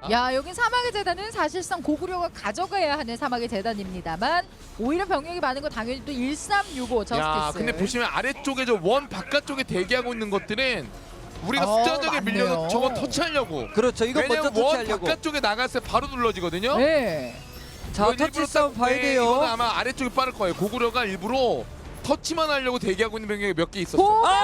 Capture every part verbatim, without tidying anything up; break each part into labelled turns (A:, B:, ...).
A: 야, 여긴 사막의 재단은 사실상 고구려가 가져가야 하는 사막의 재단입니다만 오히려 병력이 많은 건 당연히 또 일삼육오 저스티스.
B: 야, 근데 보시면 아래쪽에 저 원 바깥쪽에 대기하고 있는 것들은 우리가
A: 어,
B: 숫자적에
A: 맞네요.
B: 밀려서 저거 터치하려고.
C: 그렇죠. 이거 먼저
B: 왜냐면 원
C: 터치하려고.
B: 바깥쪽에 나갔을 때 바로 눌러지거든요.
A: 네.
C: 자,
B: 이건
C: 터치
B: 일부러
C: 싸움
B: 딱-
C: 봐야
B: 네,
C: 돼요.
B: 이거는 아마 아래쪽이 빠를 거예요. 고구려가 일부러 터치만 하려고 대기하고 있는 병력이 몇 개 있었어.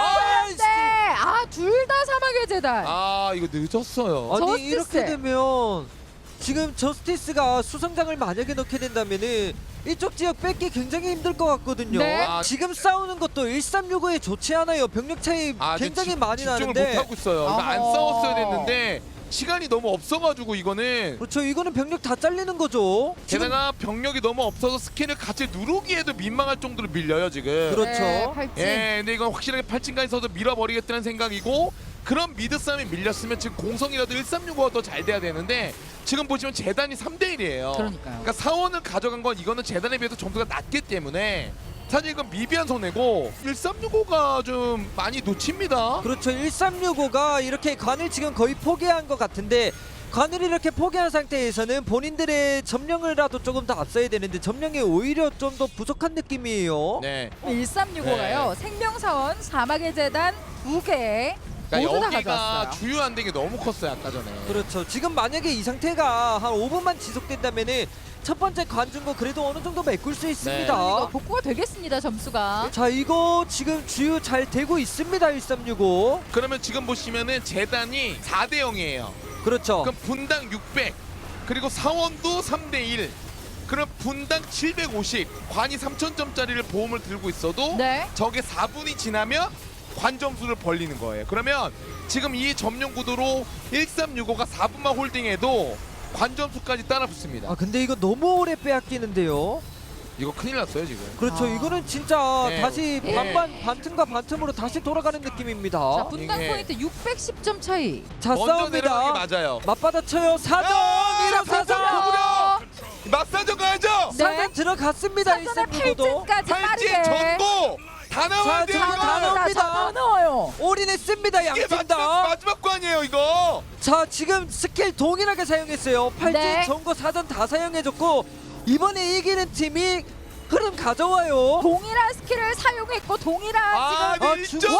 A: 보면데 아, 둘 다 사막의 재단.
B: 아, 이거 늦었어요.
C: 아니
A: 저스티스.
C: 이렇게 되면 지금 저스티스가 수성장을 만약에 넣게 된다면은 이쪽 지역 뺏기 굉장히 힘들 것 같거든요.
A: 네.
B: 아,
C: 지금 싸우는 것도 일삼육오에 좋지 않아요. 병력 차이
B: 아, 근데
C: 굉장히
B: 집-
C: 많이
B: 집중을
C: 나는데.
B: 못 하고 있어요. 이거 안
A: 어허.
B: 싸웠어야 됐는데 시간이 너무 없어가지고 이거는.
C: 그렇죠. 이거는 병력 다 잘리는 거죠. 지금
B: 게다가 병력이 너무 없어서 스캔을 같이 누르기에도 민망할 정도로 밀려요 지금.
C: 그렇죠.
A: 네, 팔찌.
B: 예, 근데 이건 확실하게 팔진까지 서서 밀어버리겠다는 생각이고, 그런 미드 싸움이 밀렸으면 지금 공성이라도 일삼육오가 더 잘 돼야 되는데 지금 보시면 재단이 삼 대 일이에요.
A: 그러니까요.
B: 그러니까 사원을 가져간 건 이거는 재단에 비해서 점수가 낮기 때문에 사실 이건 미비한 손해고 일삼육오가 좀 많이 놓칩니다.
C: 그렇죠. 일삼육오가 이렇게 관을 지금 거의 포기한 것 같은데, 관을 이렇게 포기한 상태에서는 본인들의 점령을라도 조금 더 앞서야 되는데 점령이 오히려 좀 더 부족한 느낌이에요.
B: 네.
A: 일삼육오가요. 생명사원, 사막의 재단 두 개.
B: 그러니까
A: 모두 다
B: 여기가
A: 가져왔어요.
B: 주요 안 된 게 너무 컸어요 아까 전에.
C: 그렇죠. 지금 만약에 이 상태가 한 오 분만 지속된다면은 첫 번째 관중고 그래도 어느 정도 메꿀 수 있습니다.
A: 이거 복구가 되겠습니다, 점수가.
C: 자, 이거 지금 주유 잘 되고 있습니다. 일삼육오.
B: 그러면 지금 보시면은 재단이 사 대 영이에요.
C: 그렇죠.
B: 그럼 분당 육백, 그리고 사원도 삼 대 일. 그럼 분당 칠백오십, 관이 삼천 점짜리를 보험을 들고 있어도
A: 네.
B: 저게 사 분이 지나면 관 점수를 벌리는 거예요. 그러면 지금 이 점령 구도로 일삼육오가 사 분만 홀딩해도 관 점수까지 따라 붙습니다.
C: 아, 근데 이거 너무 오래 빼앗기는데요.
B: 이거 큰일 났어요 지금.
C: 그렇죠.
A: 아.
C: 이거는 진짜
B: 네.
C: 다시
A: 네.
C: 반반 반틈과 반틈으로 다시 돌아가는 느낌입니다.
A: 자, 분당
B: 이게-
A: 포인트 육백십 점 차이.
C: 자,
B: 먼저 내려가는
C: 싸웁니다.
B: 게 맞아요.
C: 맞받아 쳐요. 사정
B: 야,
C: 일어서서
B: 고구려! 맞사정 가야죠.
A: 네.
C: 사정 들어갔습니다.
A: 사전에
C: 일삼육오도
A: 팔 층까지
B: 팔찌
A: 빠르게.
B: 전고 다 나와야
C: 자,
B: 돼요
C: 자,
B: 이거.
C: 다 나옵니다.
A: 다 넣어요.
C: 올인했습니다.
B: 이게
C: 양팀
B: 마지막,
C: 다.
B: 마지막 관이에요 이거.
C: 자, 지금 스킬 동일하게 사용했어요. 팔찌
A: 네.
C: 전고 사전 다 사용해줬고 이번에 이기는 팀이 흐름 가져와요.
A: 동일한 스킬을 사용했고 동일한
B: 아,
A: 지금
C: 아,
B: 네,
C: 중상자!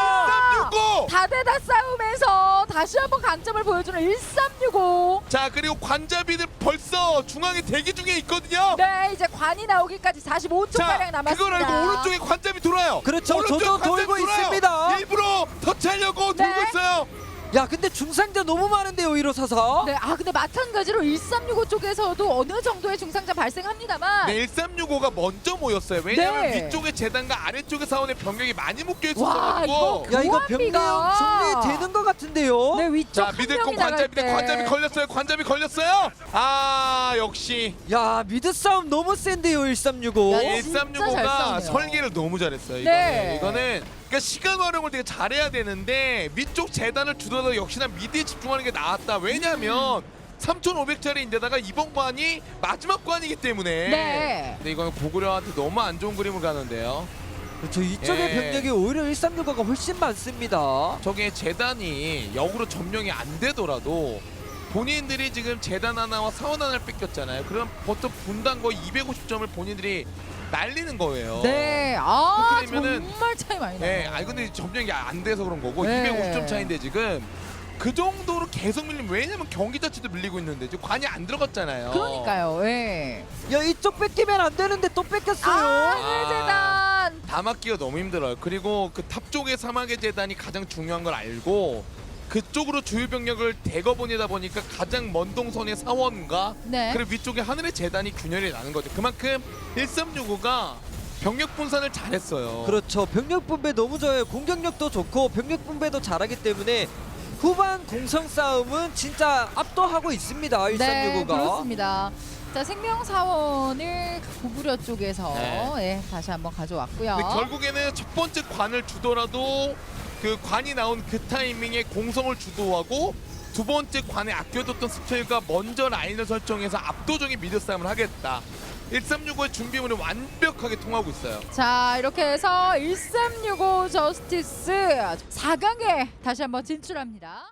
B: 일점육오.
A: 다대다 싸움에서 다시 한번 강점을 보여주는 일삼육오.
B: 자, 그리고 관자비들 벌써 중앙에 대기 중에 있거든요.
A: 네, 이제 관이 나오기까지 사십오 초 가량
B: 자,
A: 남았습니다.
B: 그걸 알고 오른쪽에 관자비 돌아요.
C: 그렇죠.
B: 오른쪽에
C: 저도
B: 관자비
C: 돌고
B: 돌아요.
C: 있습니다.
B: 일부러 터치하려고
A: 네.
B: 돌고 있어요.
C: 야, 근데 중상자 너무 많은데요. 일어서서.
A: 네, 아 근데 마찬가지로 일삼육오 쪽에서도 어느 정도의 중상자 발생합니다만
B: 네, 일삼육오가 먼저 모였어요. 왜냐면
A: 네.
B: 위쪽에 재단과 아래쪽에 사원의 병력이 많이 묶여
A: 와,
B: 있었어가지고.
A: 이거
C: 야, 이거
A: 교환비가-
C: 병력 정리되는 것 같은데요.
A: 네, 위쪽
B: 자,
A: 한
B: 미들콩
A: 명이 나갈
B: 관자비 대
A: 때.
B: 관자비 걸렸어요. 관자비 걸렸어요. 아, 역시
C: 야, 미드 싸움 너무 센데요. 일삼육오.
A: 야, 진짜 잘
B: 일삼육오가
A: 싸우네요.
B: 설계를 너무 잘했어요.
A: 네.
B: 이거는 이거는 그러니까 시간 활용을 되게 잘해야 되는데 위쪽 재단을 주더라도 역시나 미드에 집중하는 게 나았다. 왜냐면 삼천오백 짜리인데다가 이번 관이 마지막 관이기 때문에.
A: 네.
B: 근데 이거는 고구려한테 너무 안 좋은 그림을 가는데요.
C: 그렇죠. 이쪽의
B: 예.
C: 병력이 오히려 일삼육오가 훨씬 많습니다.
B: 저게 재단이 역으로 점령이 안 되더라도 본인들이 지금 재단 하나와 사원 하나를 뺏겼잖아요. 그럼 보통 분당 거의 이백오십 점을 본인들이 날리는 거예요.
A: 네, 아
B: 그렇게 되면은-
A: 정말 차이 많이 나요.
B: 네, 아니 근데 점령이 안 돼서 그런 거고
A: 네.
B: 이백오십 점 차인데 지금 그 정도로 계속 밀리면 왜냐면 경기 자체도 밀리고 있는데 지금 관이 안 들어갔잖아요.
A: 그러니까요. 예.
C: 야, 이쪽 뺏기면 안 되는데 또 뺏겼어요.
A: 아, 재단.
B: 다 막기가 너무 힘들어요. 그리고 그 탑 쪽의 사막의 재단이 가장 중요한 걸 알고 그쪽으로 주요 병력을 대거 보내다 보니까 가장 먼 동선의 사원과
A: 네.
B: 그리고 위쪽에 하늘의 재단이 균열이 나는 거죠. 그만큼 일삼육오가 병력 분산을 잘했어요.
C: 그렇죠. 병력 분배 너무 좋아요. 공격력도 좋고 병력 분배도 잘하기 때문에 후반 공성 싸움은 진짜 압도하고 있습니다.
A: 네,
C: 일삼육오가.
A: 그렇습니다. 자, 생명사원을 고구려 쪽에서
B: 네.
A: 예, 다시 한번 가져왔고요.
B: 근데 결국에는 첫 번째 관을 주더라도 그 관이 나온 그 타이밍에 공성을 주도하고 두 번째 관에 아껴뒀던 스펠과 먼저 라인을 설정해서 압도적인 미드 싸움을 하겠다. 일삼육오의 준비물이 완벽하게 통하고 있어요.
A: 자, 이렇게 해서 일삼육오 저스티스 사 강에 다시 한번 진출합니다.